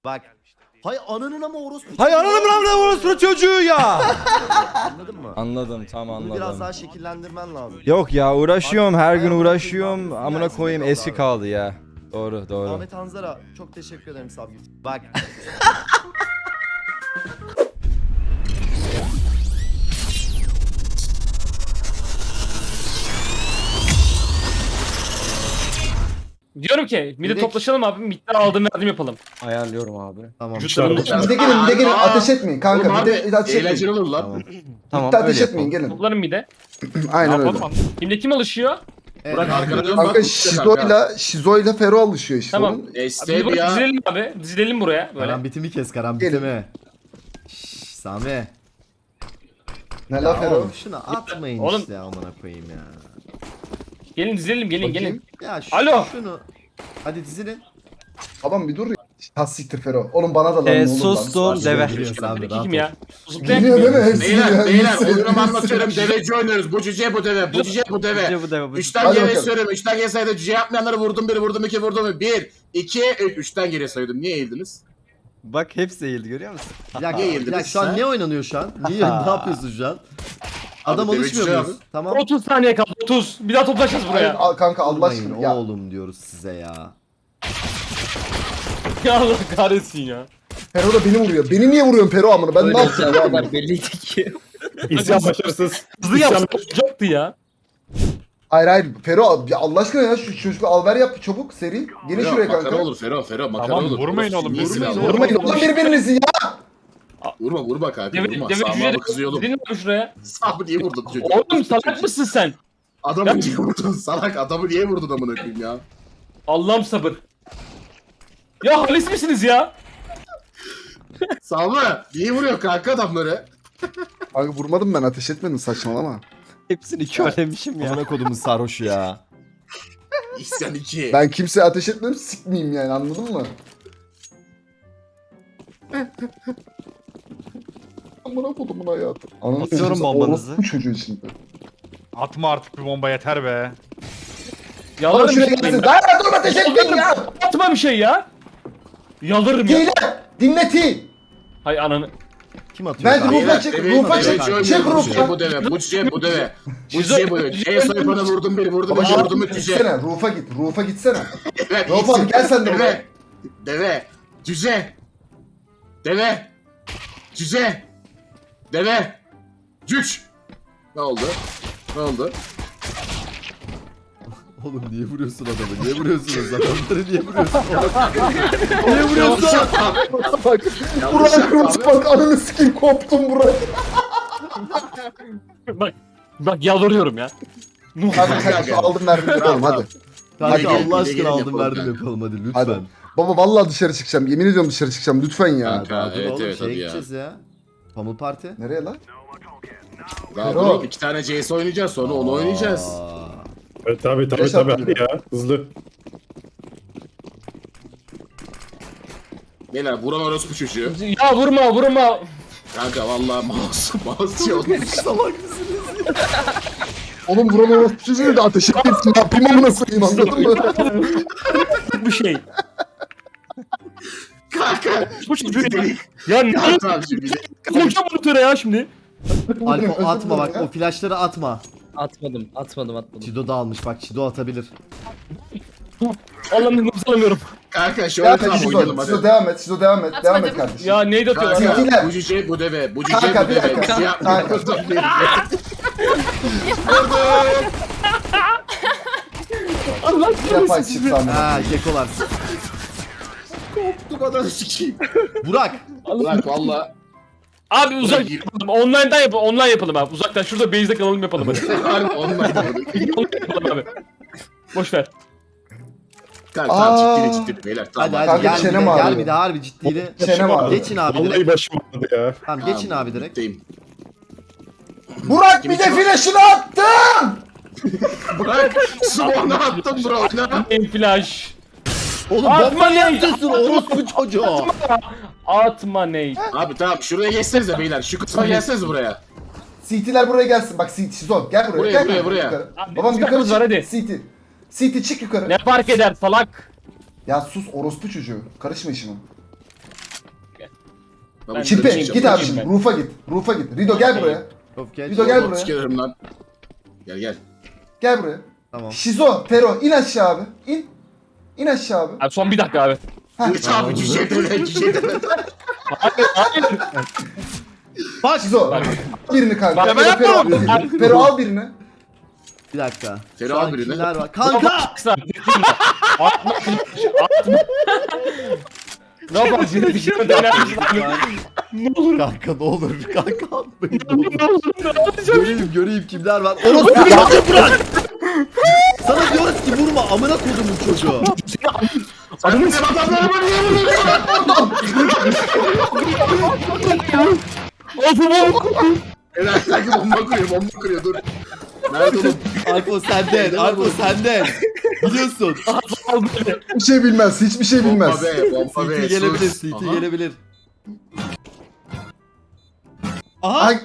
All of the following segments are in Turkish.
Bak. Hay ananın ama orospu. Hay ananın orospu çocuğu ya. Anladın mı? Anladım, tam Bunu anladım. biraz daha şekillendirmen lazım. Yok ya, uğraşıyorum, her gün Hayatım uğraşıyorum. bizim Amına dersinde koyayım, kaldı eski abi. kaldı ya. Doğru, doğru. Ahmet Hanzara çok teşekkür ederim Sabgül. Bak. Diyorum ki mid'e Direkt- toplaşalım abi. Mid'den aldım verdim yapalım. Ayarlıyorum abi. Tamam. Mide gelin ateş etmeyin kanka. Oğlum Mide abi ateş eğlenceli etmeyin. olur lan. Tamam. Tamam, Mide ateş öyle etmeyin yapalım. gelin. Toplarım mid'e. Aynen öyle. Şimdi kim alışıyor? Evet. Arkana dön Kanka bak. Şizo'yla Fero alışıyor işte. Tamam. Onun. Abi biz Stay burada ya. dizilelim abi. Dizilelim buraya böyle. Karambitimi kes Gelin. karambitimi. Şşş Sami. Ne Ya la Fero? oğlum şunu atmayın Oğlum. işte amına koyayım ya. Gelin dizilelim gelin Bakayım. gelin. Ya Alo. şunu. Hadi dizilin. Tamam bir dur ya. Tas siktir Fero. Oğlum bana da lan ne olur lan. Sustum deve. Geliyor Sami, Peki rahat kim ol. ya? Zıplayan Geliyor kim değil mi? ya? Hepsi Beyler geliyor. beyler Hepsi- oyunumu hepsi- anlatıyorum. Deveci oynuyoruz. Bu cüce bu deve. Bu cüce bu deve. Bu deve, bu. Üçten Hadi geriye bakalım. söylüyorum. Üçten geriye sayıda cüce yapmayanları vurdum bir, vurdum iki, vurdum bir. Bir, iki, üç. Üçten geriye sayıyordum. Niye eğildiniz? Bak hepsi eğildi, görüyor musun? Bir dakika, Niye bir yediniz dakika şu an sen? ne oynanıyor şu an? Niye ne yapıyorsun şu an? Adam Abi, alışmıyor deveci muyuz? abi. Tamam. 30 saniye kaldı 30. Bir daha toplaşacağız Hayır, buraya. al kanka Allah Durmayın aşkına. Ya oğlum diyoruz size ya. Ya Allah kahretsin ya. Fero da beni vuruyor. Beni niye vuruyorsun Fero amına? Ben ne yaptım ya? amına? belliydi ki. İsyan başarısız. Hızlı yapsacaktı ya. Hayır hayır Fero ya Allah aşkına ya şu çocuğu alver yap çabuk seri. Gelin Fero, şuraya makara kanka. olur Fero makara Tamam, olur. vurmayın oğlum, İyisin vurmayın abi. oğlum. Vurmayın oğlum birbirinizi ya. Vurma kanka vurma. Deve Sağma kızıyor oğlum. Dedin mi şuraya? Sağmı niye vurdun çocuk? Oğlum salak mısın sen? Adamı niye vurdun salak? Adamı niye vurdun amına koyayım ya? Allah'ım sabır. Ya halis misiniz ya? Sağma niye vuruyor kanka adamları? Kanka vurmadım ben ateş etmedim saçmalama. Hepsini körlemişim ya. Amına kodumun sarhoşu ya. İsyan 2. Ben kimseye ateş etmedim sikmeyeyim yani anladın mı? Amına kodumun hayatı. Ananı Atıyorum sikeyim, bombanızı. orospu çocuğu şimdi. Atma artık bir bomba yeter be. Bana Yalvarırım şuraya bir şey. gelsin. Daha dur ateş etmeyin ya. Atma bir şey ya. Yalvarırım ya. Hile. Dinle T. Hay ananı. Kim atıyor? Ben kanka? rufa çık. Rufa çık. Çık Bu cüce rufa. bu deve. Bu cüce bu deve. Bu cüce bu deve. Cüceye soyup bana vurdum bir, vurdum iki, vurdum üç cüce. Gitsene. Rufa git. Rufa gitsene. Evet, Rauf abi, gel sen de buraya. Deve. Deve. Cüce. Deve. Cüce. Deve. Cüç. Ne oldu? Ne oldu? Oğlum niye vuruyorsun adamı? Niye vuruyorsunuz adamları? Niye vuruyorsun? Niye vuruyorsun? Bak. Burak kırmızı bak. Ananı sikeyim koptum Burak. Bak yalvarıyorum ya. Hadi kanka aldım verdim yapalım hadi. Kanka Hadi Allah gelin, aşkına gelin aldım yapalım verdim kanka. yapalım hadi lütfen. Hadi. Baba vallahi dışarı çıkacağım. Yemin ediyorum dışarı çıkacağım. Lütfen ya. Kanka. Daha dur Evet, oğlum evet, şeye hadi ya. gideceğiz ya. Pamuk Parti. Nereye lan? Daha Fero. dur, iki tane CS oynayacağız sonra onu oynayacağız. Aa. Evet, tabii Beş hadi attı ya. Hızlı. Beyler vuran orospu çocuğu. Ya vurma. Kanka vallahi mouse şey olmuş. Oğlum buranın orospu çocuğu da ateş etmesin. Ne yapayım amına koyayım anladın mı? Bir şey. Kanka. Bu çocuğu ya. Ya ne Ya tamam şimdi. koyacağım monitöre ya şimdi. Alko atma bak o flashları atma. Atmadım. Çido da almış bak Çido atabilir. Allah'ım nefes alamıyorum. Kanka şu Ya an tamam Şizo, oynayalım Şizo hadi. devam et. Şizo devam et. Devam et Atmadım. kardeşim. Ya neydi atıyorlar ya? Kanka. Kanka bu cüce bu deve. Bu cüce Kanka, bu bir deve. dakika. Şey yapma. Allah Bir defa kahretsin çık sizi. lan. Ha kekolar. Bu kadar sikeyim. Burak. Bırak valla. Abi uzak yapalım. Online yapalım abi. Uzaktan şurada base'de kalalım yapalım hadi. Harbi online oldu. Online yapalım abi. Boş ver. Kanka tamam Aa. ciddi beyler tamam. Hadi hadi Kanka, gel bir çenem de gel ağrıyor. bir de harbi ciddiyle. Çenem ağrıyor. Geçin abi Vallahi direkt. başım ağrıdı ya. Tamam geçin abi direkt. Bitteyim. Burak bir de flash'ını attım. Bırak. Smoke'unu attım bro. Oyna. En flash. Oğlum Atma bomba ne? yapıyorsun orospu çocuğu. Atma ney. Abi tamam şuraya geçsenize beyler. Şu kısma gelsenize buraya. CT'ler buraya gelsin. Bak CT Şizo gel buraya. Buraya, gel buraya, kanka, buraya. yukarı. Abi, Babam biz yukarı takımız var, çık. hadi. CT çık yukarı. Ne fark eder salak? Ya sus orospu çocuğu. Karışma işime. Ben Çipe dışarı git çıkacağım. abi şimdi. Roof'a git. Roof'a git. Rido gel buraya. Of geç. Rido gel Bot buraya. sikerim lan. Gel. Gel buraya. Tamam. Şizo, Fero in aşağı abi. İn. İn aşağı abi. Abi son bir dakika abi. Geç abi cüce deme. Bak. Şizo. Bak. Birini kanka. Bak, ben Fero, yapmadım. Fero, Fero al birini. Bir dakika. Fero Şu an abi ne? kimler var? Kanka. Atma. Ne yaparsın? Bir şey mi denersin abi? Ne olur. Kanka ne olur kanka atmayın ne olur. Ne olur. Ne yapacağım? Göreyim kimler var. Orospu çocuğu bırak. Sana diyoruz ki vurma amına kodumun çocuğu. Adamın Benim adamlarıma niye vuruyorsun? Helal sanki bomba kuruyor dur. Nerede oğlum? Alpo senden. Alpo senden. Biliyorsun. Hiçbir şey bilmez. Hiçbir şey bilmez. Bomba be. CT gelebilir. sus. CT Aha. gelebilir. Aha. Ay,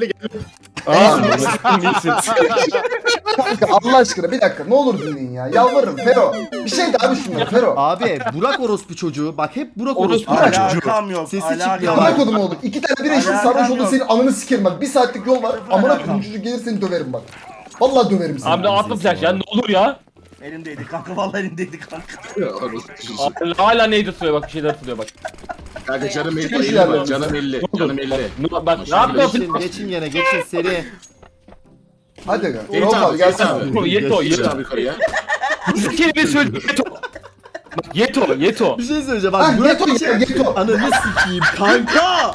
İyisin. kanka Allah aşkına bir dakika ne olur dinleyin ya. Yalvarırım Fero. Bir şey daha düşünme Fero. Abi Burak orospu çocuğu. Bak hep Burak orospu Orospu çocuğu. Alakam yok. Sesi alakam çıkmıyor. Amına yok. kodum oğlum. İki tane bir eşit Alakam sarhoş oldu yok. senin ananı sikerim bak. Bir saatlik yol var. Amına kodum çocuk gelir seni döverim bak. Vallahi döverim seni. Abi atma flash ya ne olur ya. Elimdeydi kanka vallahi elimdeydi kanka. Abi, hala neydi tutuyor bak bir şeyler tutuyor bak. Kanka canım Hiçbir 50 şey bak yapmıyor. canım 50 canım 50. Bak ne yapma Geçin, geçin yine. Geçin seri. Hadi aga. Ferit Roll abi, abi gelsene. Ferit abi. Yeto Geç yeto. abi yukarıya. Bir kelime söyle yeto. Bak, Yeto. Bir şey söyleyeceğim. Ha Bak Burak Yeto için. ya Yeto. Ananı sikeyim kanka.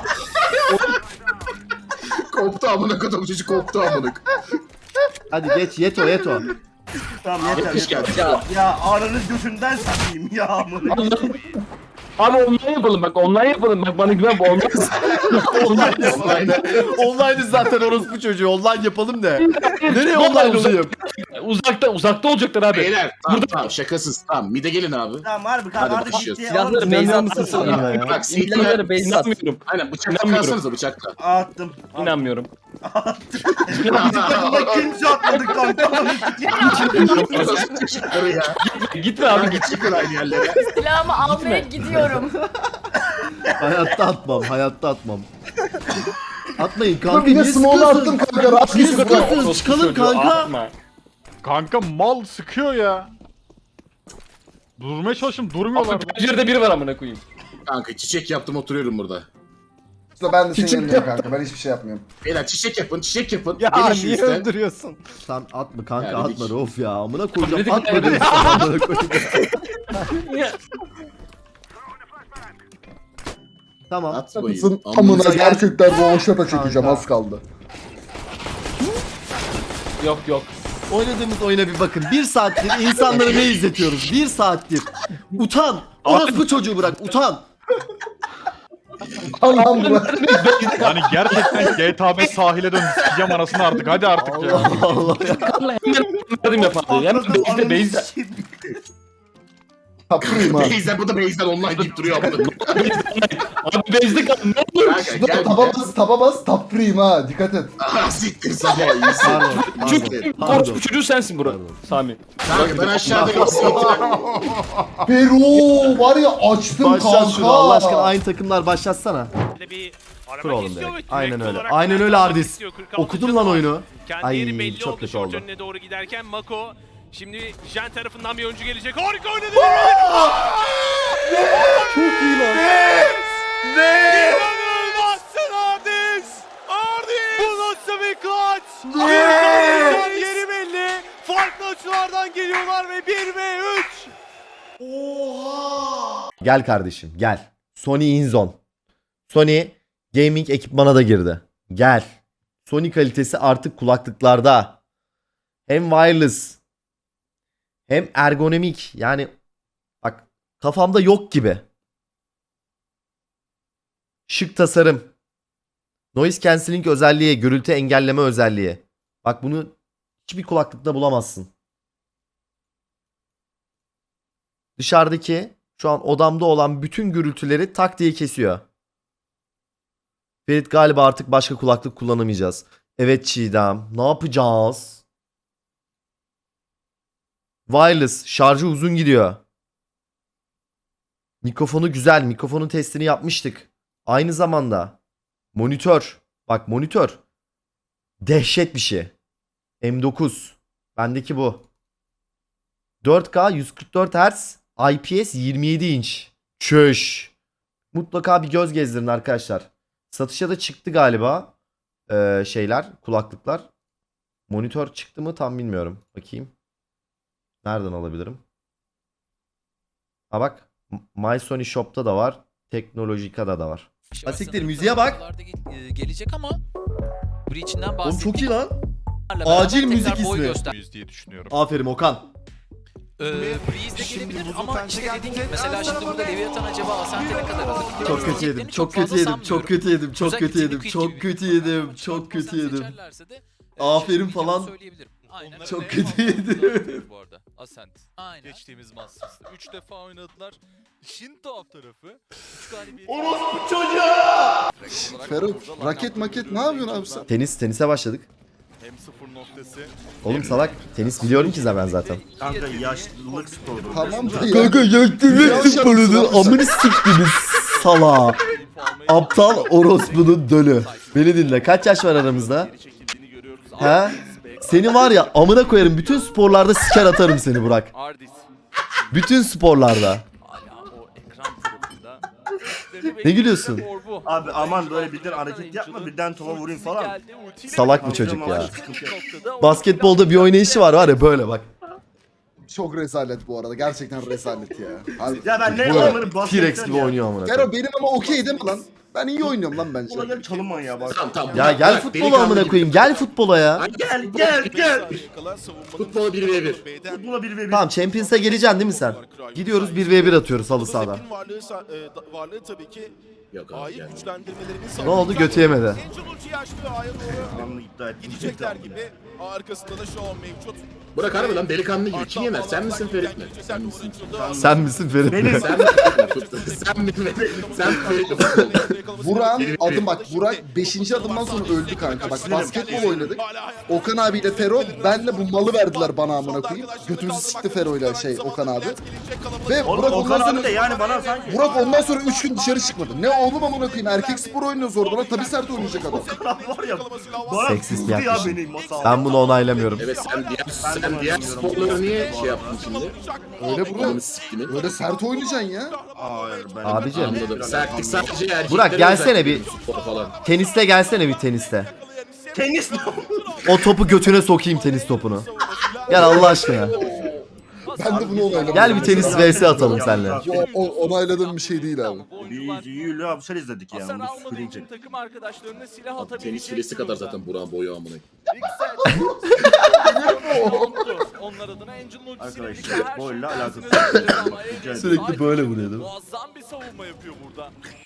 Koptu amına kodum çocuk koptu amına. Hadi geç Yeto. Tamam yeter Yapış yeter. geldi. Ya aranız götünden satayım ya amına. Abi online yapalım bak bana güven bu olmaz. Aynen. Online zaten orospu çocuğu. Online yapalım de. Nereye online olayım? Uzakta olacaklar abi. Beyler tamam şakasız tamam mide gelin abi. Tamam harbi Hadi kanka artık başlıyoruz. ciddiye Silahları alın. beyze İnanmıyor musun atsana sen ona ya? Bak İnanmıyorum. beyze at. İnanmıyorum. Aynen bıçakla İnanmıyorum. kalsanıza bıçakla. Attım. İnanmıyorum. Bunda kimse atmadı kanka. Çıkları ya. Gitme abi Kanka çıkın aynı yerlere. Silahımı almaya gidiyorum. Hayatta atmam. Atmayın kanka. Dur bir de niye small'u attım sıkıyorsun? kanka. Rahat Niye gitsin. sıkıyorsun? Çıkalım kanka. Atma. Kanka mal sıkıyor ya. Durmaya çalıştım durmuyorlar. Abi pencerede biri var amına koyayım. Kanka çiçek yaptım oturuyorum burada. Ben de senin yanındayım kanka. Ben hiçbir şey yapmıyorum. Beyler çiçek yapın. Ya Gelin şu niye üstten. öldürüyorsun? Sen atma kanka Ya dedik. atma of ya. Amına koyacağım Dedik, atma dedik. dedim sana, amına koyacağım. Tamam. Atmayın. Kızın Amına amına gel. gerçekten roşata çekeceğim Kanka. az kaldı. Yok. Oynadığımız oyuna bir bakın. Bir saattir insanlara ne izletiyoruz? Bir saattir. Utan. Orospu çocuğu bırak. Utan. Allah'ım bırak. Yani gerçekten GTA 5 sahile dön sikeceğim anasını artık hadi artık ya. Allah Allah ya. Hemen yardım yap abi. Hemen base'de. Kapırayım ha. Beyzden bu da Beyzden online gidip duruyor amına. Abi base'de kal. Ne olur. Kanka Dur gel. taba bas tap free ha dikkat et. Ah siktir sabah iyisin. Orospu çocuğu sensin bro. Sami. Kanka ben aşağıdayım. Pero var ya açtım Başlat kanka. şunu Allah aşkına aynı takımlar başlatsana. Bir Kur oğlum istiyor direkt. ve Aynen direkt öyle. olarak Aynen öyle oynamak Ardis. istiyor. 46. Okudum lan oyunu. Kendi Ay, yeri belli çok oldu kötü short oldu. önüne doğru giderken Mako şimdi Jen tarafından bir oyuncu gelecek. Harika oynadı. Çok iyi lan. İnanılmazsın Ardis. Ardis. Bu nasıl bir clutch? Harika yeri belli. Farklı açılardan geliyorlar ve 1 ve 3. Gel kardeşim gel. Sony InZone. Sony gaming ekipmana da girdi. Gel. Sony kalitesi artık kulaklıklarda. Hem wireless hem ergonomik. Yani bak kafamda yok gibi. Şık tasarım. Noise cancelling özelliği, gürültü engelleme özelliği. Bak bunu hiçbir kulaklıkta bulamazsın. Dışarıdaki şu an odamda olan bütün gürültüleri tak diye kesiyor. Ferit galiba artık başka kulaklık kullanamayacağız. Evet Çiğdem. Ne yapacağız? Wireless. Şarjı uzun gidiyor. Mikrofonu güzel. Mikrofonun testini yapmıştık. Aynı zamanda monitör. Bak monitör. Dehşet bir şey. M9. Bendeki bu. 4K 144 Hz IPS 27 inç. Çüş. Mutlaka bir göz gezdirin arkadaşlar. Satışa da çıktı galiba. Şeyler, kulaklıklar. Monitör çıktı mı tam bilmiyorum. Bakayım. Nereden alabilirim? Ha bak. My Sony Shop'ta da var. Teknolojika'da da var. Asiktir müziğe bak. Gelecek ama Breach'inden Oğlum çok iyi lan. bahsettiğimlerle Acil beraber müzik tekrar boy ismi. göster- Yüz diye düşünüyorum. Aferin Okan. Breeze de gelebilir ama işte dediğim gibi mesela şimdi burada Leviathan acaba Ascent'e ne kadar alır? Çok kötü yedim. Çok kötü yedim. Çok kötü yedim. Çok kötü yedim. Çok kötü yedim. Çok kötü yedim. Aferin falan. Aynen. Çok Ve kötü yedim. bu arada Ascent. Aynen. Geçtiğimiz Masters'ta 3 defa oynadılar. İşin tuhaf tarafı 3 galibiyet. Fero raket maket ne yapıyorsun abi sen? Tenise başladık. Hem sıfır noktası. Oğlum salak. Tenis biliyorum ki ben zaten. Kanka yaşlılık sporu. Tamam da ya. Kanka yaktınız sporunu. Amını siktiniz sala. Aptal orospunun dölü. Beni dinle. Kaç yaş var aramızda? He? Seni var ya amına koyarım. Bütün sporlarda siker atarım seni Burak. Ardis. Bütün sporlarda. Hala o ekran tarafında. Ne gülüyorsun? Abi aman böyle birden hareket yapma birden topa vurayım falan. Salak mı çocuk ya? Noktada Basketbolda bir oynayışı var ya böyle bak. Çok rezalet bu arada. Gerçekten rezalet ya. Harbi. Ya ben ne Bu onları T-Rex gibi oynuyor amına Fero koyayım. benim ama okey değil mi lan? Ben iyi oynuyorum lan bence. Ulan gel çalınma ya bak. Tamam. Ya gel futbola amına koyayım. Gel futbola ya. Gel. Futbol 1v1. Buna bir ve bir. Tamam Champions'a geleceksin değil mi sen? Gidiyoruz 1v1 atıyoruz halı sahada. Varlığı tabii ki Yok abi ait yani. güçlendirmelerinin Ne oldu götü yemedi. Angel ulti açtı ve A'ya doğru Anlı iddia ettim. gidecekler gibi. Arkasında da şu an mevcut. Burak harbi lan delikanlı gibi. Kim yener? Sen misin Ferit mi? Sen misin? Sen misin Ferit mi? Benim. Sen mi Ferit mi? Sen mi? Sen Ferit mi? Burak'ın adım bak. Burak 5. adımdan sonra öldü kanka. Bak basketbol oynadık. Okan abiyle Fero benle bu malı verdiler bana amına koyayım. Götümüzü sikti Fero'yla Okan abi. Ve Burak Okan ondan abi sonra de yani bana sanki. Burak ondan sonra 3 gün dışarı çıkmadı. Ne oğlum amına koyayım erkek spor oynuyoruz orada lan tabii sert oynayacak adam. var ya. Bana Seksist vurdu ya yaklaşım. beni masa. Ben bunu onaylamıyorum. Evet sen diğer sporları niye şey yaptın şimdi? Öyle Burak. Ananı siktini. Öyle sert oynayacaksın ya. Hayır ben. Abicim Anladım. Sertlik sadece erkeklere Burak, gelsene özel bir. spor falan. teniste gelsene bir teniste. Tenis mi? O topu götüne sokayım tenis topunu. Gel Allah aşkına. Ben de bunu onayladım. Gel bir tenis vs atalım seninle. Onayladığım bir şey değil abi. Yürü abi sen izledik ya. Hasar Bunu almadığı söyleyecek. için takım arkadaşlarına silah Abi atabilecek. tenis filesi kadar zaten Burak'ın boyu amına. Onlar adına Angel'ın ultisiyle birlikte Arkadaşlar her boyla şeyin alakası tersine dönüyor ama Angel Sürekli böyle vuruyor değil mi? muazzam bir savunma yapıyor burada.